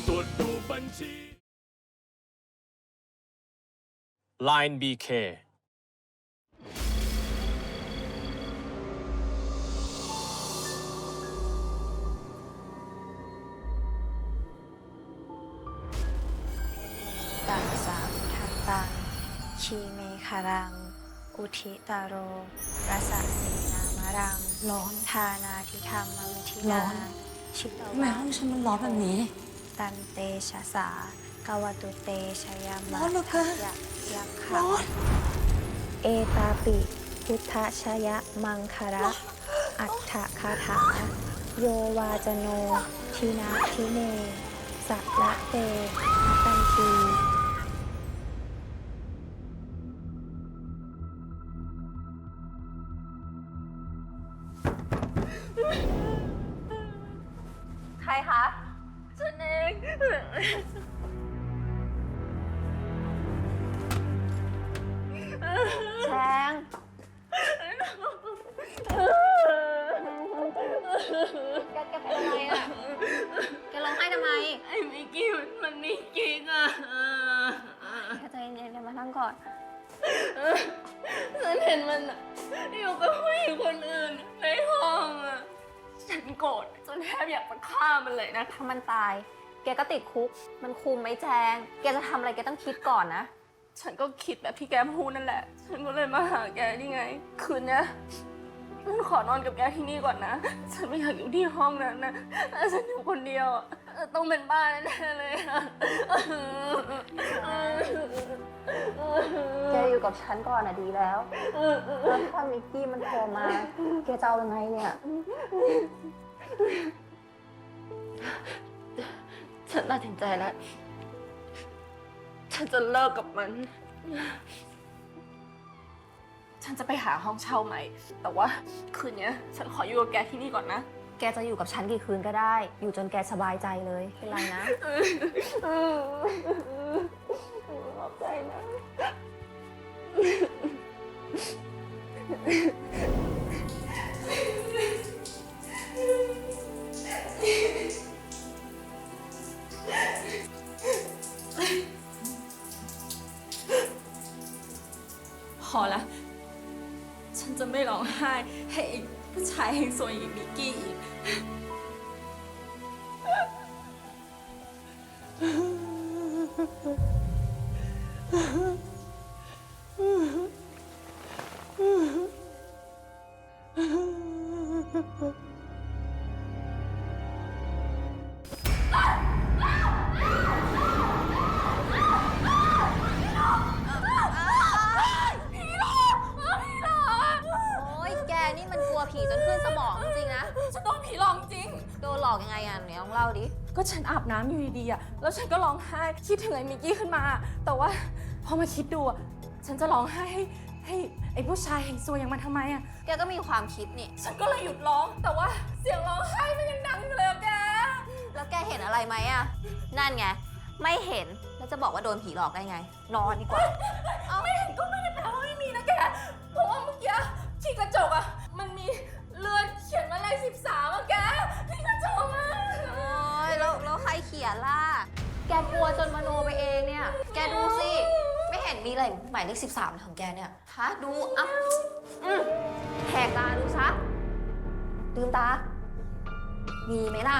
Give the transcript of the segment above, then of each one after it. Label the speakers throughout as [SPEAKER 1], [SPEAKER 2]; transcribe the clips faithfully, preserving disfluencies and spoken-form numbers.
[SPEAKER 1] ตรวจดูบัญชี
[SPEAKER 2] ไลน์ บี เค
[SPEAKER 3] ตังสามทันตังชีเมคารัง อุทิตาโรรัสสีนามะรัง
[SPEAKER 4] ร้อน
[SPEAKER 3] ทานาทิธรรมวิธิ
[SPEAKER 4] ร้
[SPEAKER 3] นา
[SPEAKER 4] อน
[SPEAKER 3] ชิต
[SPEAKER 4] ทำไม
[SPEAKER 3] วะ
[SPEAKER 4] ห้องฉันมันร้อนแบบนี้
[SPEAKER 3] ตันเตชะสากวตุเตชยา
[SPEAKER 4] ร้
[SPEAKER 3] มา
[SPEAKER 4] อนเหลือเกิน
[SPEAKER 3] ยักยักขะ
[SPEAKER 4] ร้อน
[SPEAKER 3] เอตาปิพุทธชยมังคาระอัฏฐคาถาโยวาจโนทินาทิเนสัละเตตันทีใครคะฉันเองแชงแกแกเป็นอะไรอ่ะ แกร้องไห้ทำไม
[SPEAKER 5] ไอ้มิกกี้มันมีกิ๊กอ่ะ
[SPEAKER 3] แกใจเย็นๆแกมานั่งก่อน
[SPEAKER 5] ฉันเห็นมันอ่ะอยู่กับผู้หญิงคนอื่นในห้องอ่ะ ฉันโกรธจนแทบอยากจะฆ่ามันเลยนะ
[SPEAKER 3] ถ้ามันตาย แกก็ติดคุก มันคุมไหมแจง แกจะทำอะไรแกต้องคิดก่อนนะ
[SPEAKER 5] ฉันก็คิดแบบที่แกพูดนั่นแหละ ฉันก็เลยมาหาแกนี่ไง คืนเนี้ยฉันขอนอนกับแกที่นี่ก่อนนะ ฉันไม่อยากอยู่ที่ห้องนั้นนะถ้าฉันอยู่คนเดียวอะต้องเป็นบ้าแน่ๆเลยอะ
[SPEAKER 3] แกอยู่กับฉันก่อนอะดีแล้วแล้วถ้ามิกกี้มันโทรมา แกจะเอายังไงเนี่ย
[SPEAKER 5] ฉันตัดสินใจแล้ว ฉันจะเลิกกับมัน ฉันจะไปหาห้องเช่าใหม่ แต่ว่าคืนนี้ฉันขออยู่กับแกที่นี่ก่อนนะ
[SPEAKER 3] แกจะอยู่กับฉันกี่คืนก็ได้ อยู่จนแกสบายใจเลย เป็นไรนะ
[SPEAKER 5] ขอบใจนะ พอละ ฉันจะไม่ร้องไห้ให้อีกผู้ชายแห่งโซยอย่างมิกกี้อีก
[SPEAKER 3] โอ๊ย แกนี่มันกลัวผีจนขึ้นสมองจริงๆนะ
[SPEAKER 5] ฉันโดนผีหลอกจริง
[SPEAKER 3] โดนหลอกยังไงอ่ะไหนลองเล่าดิ
[SPEAKER 5] ก็ฉันอาบน้ำอยู่ดีๆอ่ะ แล้วฉันก็ร้องไห้คิดถึงไอ้มิกกี้ขึ้นมา แต่ว่าพอมาคิดดูอ่ะ ฉันจะร้องไห้ให้ให้ไอ้ผู้ชายแห่งซวยอย่างมันทำไมอ่ะ
[SPEAKER 3] แกก็มีความคิดนี่
[SPEAKER 5] ฉันก็เลยหยุดร้อง แต่ว่าเสียงร้องไห้มันยังดังอยู่เลยอะแก
[SPEAKER 3] แล้วแกเห็นอะไรไหมอ่ะ นั่นไง ไม่เห็น แล้วจะบอกว่าโดนผีหลอกได้ไง นอนดีกว่า
[SPEAKER 5] เอาไม่เห็นก็ไม่ได้แปลว่าไม่มีนะแก เพราะว่าเมื่อกี้ที่กระจกอ่ะ มันมีเลือดเขียนว่าเลขสิบสามอะแกที่กระจกอ่ะ
[SPEAKER 3] โอ๊ยแล้วแล้วใครเขียนล่ะ แกกลัวจนมโนไปเองเนี่ย แกดูสิ ไม่เห็นมีอะไรหมายเลขสิบสามของแกเนี่ย ฮะ ดูอ่ะอืมแหกตาดูซะลืมตา มีไหมล่ะ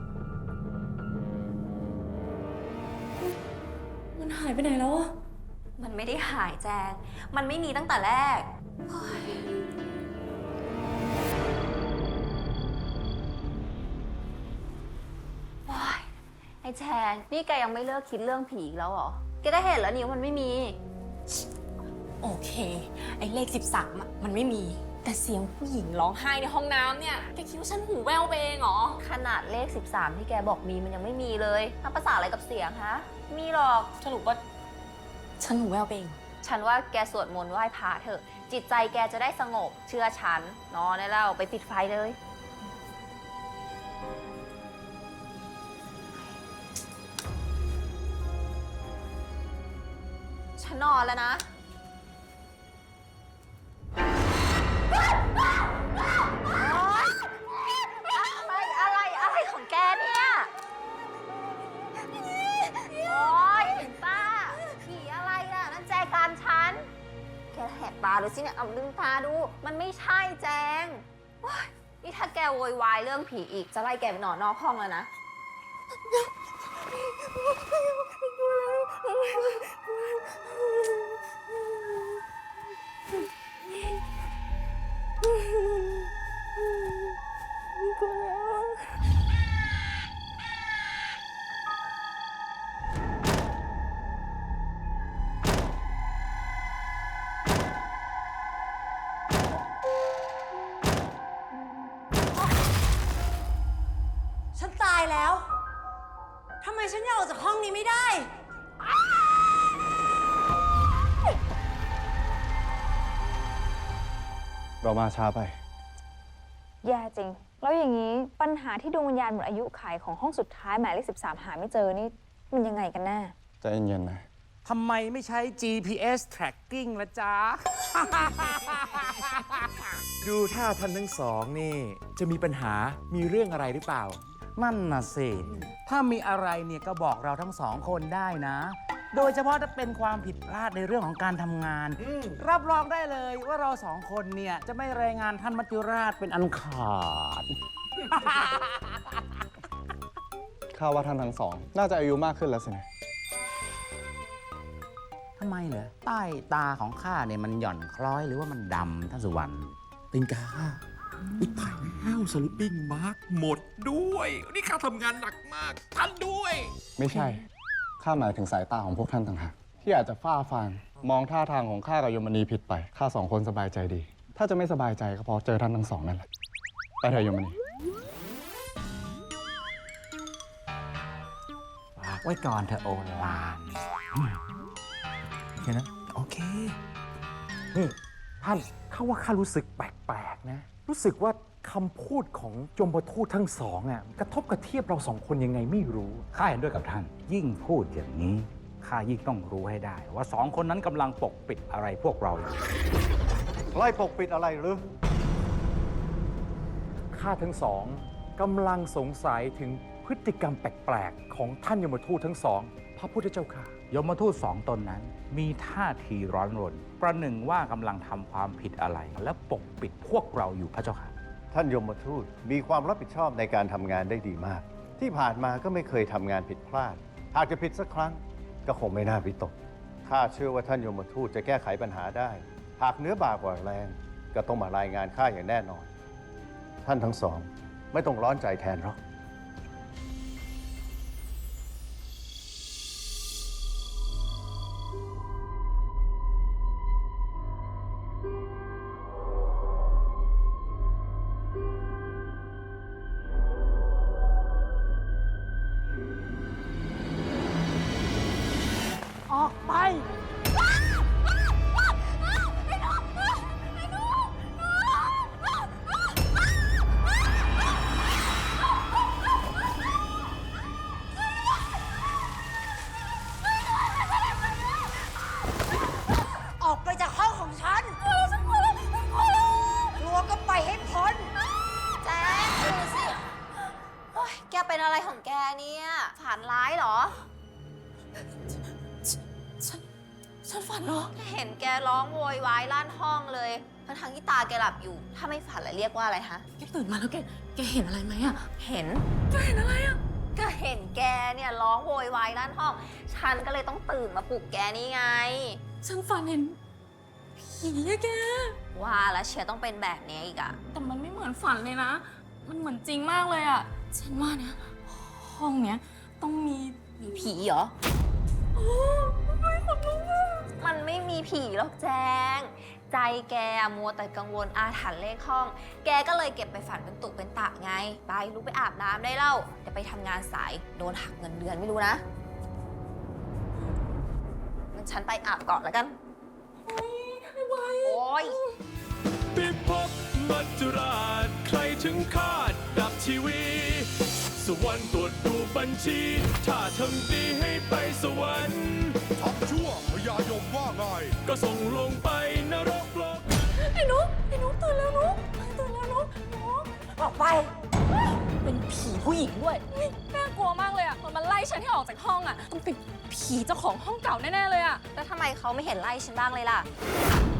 [SPEAKER 5] มันหายไปไหนแล้วอะ
[SPEAKER 3] มันไม่ได้หายแจง มันไม่มีตั้งแต่แรกเฮ้ยโอ๊ยไอ้แจง นี่แกยังไม่เลิกคิดเรื่องผีอีกแล้วเหรอ แกก็เห็นแล้วนี่ว่ามันไม่มี
[SPEAKER 5] โอเค ไอ้เลขสิบสามอะมันไม่มี แต่เสียงผู้หญิงร้องไห้ในห้องน้ำเนี่ย แกคิดว่าฉันหูแว่วไปเองเหรอ
[SPEAKER 3] ขนาดเลขสิบสามที่แกบอกมีมันยังไม่มีเลยทำภาษาอะไรกับเสียงฮะ มีหรอก
[SPEAKER 5] สรุปว่าฉันหูแว่วไปเอง
[SPEAKER 3] ฉันว่าแกสวดมนต์ไหว้พระเถอะ จิตใจแกจะได้สงบ เชื่อฉัน นอนได้แล้วไปปิดไฟเลย ฉันนอนแล้วนะ อะไร อะไร อะไรของแกเนี่ยเลยสิเนี่ยเอาลืมตาดู มันไม่ใช่แจงโอ๊ยนี่ถ้าแกโวยวายเรื่องผีอีก จะไล่แกไปนอนนอกห้องแล้วนะ
[SPEAKER 1] ฉันตายแล้ว ทำไมฉันยังออกจากห้องนี้ไม่ได้
[SPEAKER 4] เรามาช้าไป
[SPEAKER 6] แย่จริง แล้วอย่างนี้ปัญหาที่ดวงวิญญาณหมดอายุขัยของห้องสุดท้ายหมายเลขสิบสามหาไม่เจอนี่มันยังไงกันแน่
[SPEAKER 4] ใจเย็นๆนะ
[SPEAKER 7] ทำไมไม่ใช้ จี พี เอส tracking ละจ๊ะ
[SPEAKER 8] ดูท่าท่านทั้งสองนี่ จะมีปัญหามีเรื่องอะไรหรือเปล่า
[SPEAKER 7] นั่นน่ะสิ ถ้ามีอะไรเนี่ยก็บอกเราทั้งสองคนได้นะ โดยเฉพาะถ้าเป็นความผิดพลาดในเรื่องของการทำงาน รับรองได้เลยว่าเราสองคนเนี่ย จะไม่รายงานท่านมัจจุราชเป็นอันขาด
[SPEAKER 4] ข้าว่าท่านทั้งสอง น่าจะอายุมากขึ้นแล้วสินะ
[SPEAKER 7] ทำไมเหรอ ใต้ตาของข้าเนี่ยมันหย่อนคล้อยหรือว่ามันดำท่านสุวรรณ
[SPEAKER 8] ติงกาอุ้ยตายแล้วสลิปปิ้งมาร์กหมดด้วย นี่ข้าทำงานหนักมากท่านด้วย
[SPEAKER 4] ไม่ใช่ ข้าหมายถึงสายตาของพวกท่านต่างหากที่อาจจะฝ้าฟางมองท่าทางของข้ากับยมณีผิดไป ข้าสองคนสบายใจดี ถ้าจะไม่สบายใจก็เพราะเจอท่านทั้งสองนั่นแหละ ไปเถอะยมณี
[SPEAKER 7] ฝากไว้ก่อนเธอะโอลานโอเคนะ
[SPEAKER 8] โอเค นี่ ท่านข้าว่าข้ารู้สึกแปลกๆนะ รู้สึกว่าคำพูดของยมทูตทั้งสองอ่ะกระทบกระเทียบเราสองคนยังไงไม่รู้
[SPEAKER 7] ข้าเห็นด้วยกับท่าน ยิ่งพูดอย่างนี้ ข้ายิ่งต้องรู้ให้ได้ ว่าสองคนนั้นกำลังปกปิดอะไรพวกเราอยู่
[SPEAKER 4] ไล่ปกปิดอะไรหรือ
[SPEAKER 8] ข้าทั้งสองกำลังสงสัยถึงพฤติกรรมแปลกๆ ของท่านยมทูตทั้งสอง พระพุทธเจ้าค่ะ
[SPEAKER 7] ยมทูตสองตนนั้น มีท่าทีร้อนรน ประหนึ่งว่ากำลังทำความผิดอะไร และปกปิดพวกเราอยู่พระเจ้าค่ะ
[SPEAKER 9] ท่านยมทูตมีความรับผิดชอบในการทำงานได้ดีมาก ที่ผ่านมาก็ไม่เคยทำงานผิดพลาด หากจะผิดสักครั้งก็คงไม่น่าวิตกข้าเชื่อว่าท่านยมทูตจะแก้ไขปัญหาได้ หากเนื้อบากกว่าแรงก็ต้องมารายงานข้าอย่างแน่นอน ท่านทั้งสองไม่ต้องร้อนใจแทนหรอก
[SPEAKER 7] ออกไป
[SPEAKER 1] ออกไปจากห้องของฉันกลัวก็ไปให้พ้น
[SPEAKER 3] แจงดูสิโอ๊ยแกเป็นอะไรของแกเนี่ยฝันร้ายเหรอ
[SPEAKER 5] ฉันฝันเหรอ
[SPEAKER 3] เห็นแกร้องโวยวายลั่นห้องเลย ทั้งทางๆที่ตาแกหลับอยู่ ถ้าไม่ฝันแล้วเรียกว่าอะไรฮะ
[SPEAKER 5] แกตื่นมาแล้วแก แกเห็นอะไรไหมอะ
[SPEAKER 3] เห็น
[SPEAKER 5] แกเห็นอะไรอะ
[SPEAKER 3] ก็เห็นแกเนี่ยร้องโวยวายลั่นห้อง ฉันก็เลยต้องตื่นมาปลุกแกนี่ไง
[SPEAKER 5] ฉันฝันเห็นผีอะแก
[SPEAKER 3] ว่าแล้วเชียร์ต้องเป็นแบบนี้อีกอะ
[SPEAKER 5] แต่มันไม่เหมือนฝันเลยนะ มันเหมือนจริงมากเลยอะฉันว่านะห้องเนี้ยต้องมี
[SPEAKER 3] มีผีเหรอ มันไม่มีผีหรอกแจง ใจแกอะมัวแต่กังวลอาถรรพ์เลขห้อง แกก็เลยเก็บไปฝันเป็นตุเป็นตะไง ไปลุกไปอาบน้ำได้เล่าเดี๋ยวไปทำงานสายโดนหักเงินเดือนไม่รู้นะงั้นฉันไปอาบก่อนแล้วกัน โอ้ย
[SPEAKER 2] ปิภพมัจจุราชใครถึงคาดดับทีวี สวรรค์ตรวจดูบัญชี ถ้าทำดีให้ไปสวรรค์
[SPEAKER 10] ทำชั่วพญายมว่าไง
[SPEAKER 2] ก็ส่งลงไปนรกโลก
[SPEAKER 5] ไอ้นุ๊กไอ้นุ๊กตื่นแล้วนุ๊กตื่นแล้วนุ๊กนุ๊ก
[SPEAKER 1] ออกไป
[SPEAKER 5] เป็นผีผู้หญิงด้วยน่ากลัวมากเลยอะมันมาไล่ฉันให้ออกจากห้องอะต้องเป็นผีเจ้าของห้องเก่าแน่ๆเลยอะ
[SPEAKER 3] แล้วทำไมเขาไม่เห็นไล่ฉันบ้างเลยล่ะ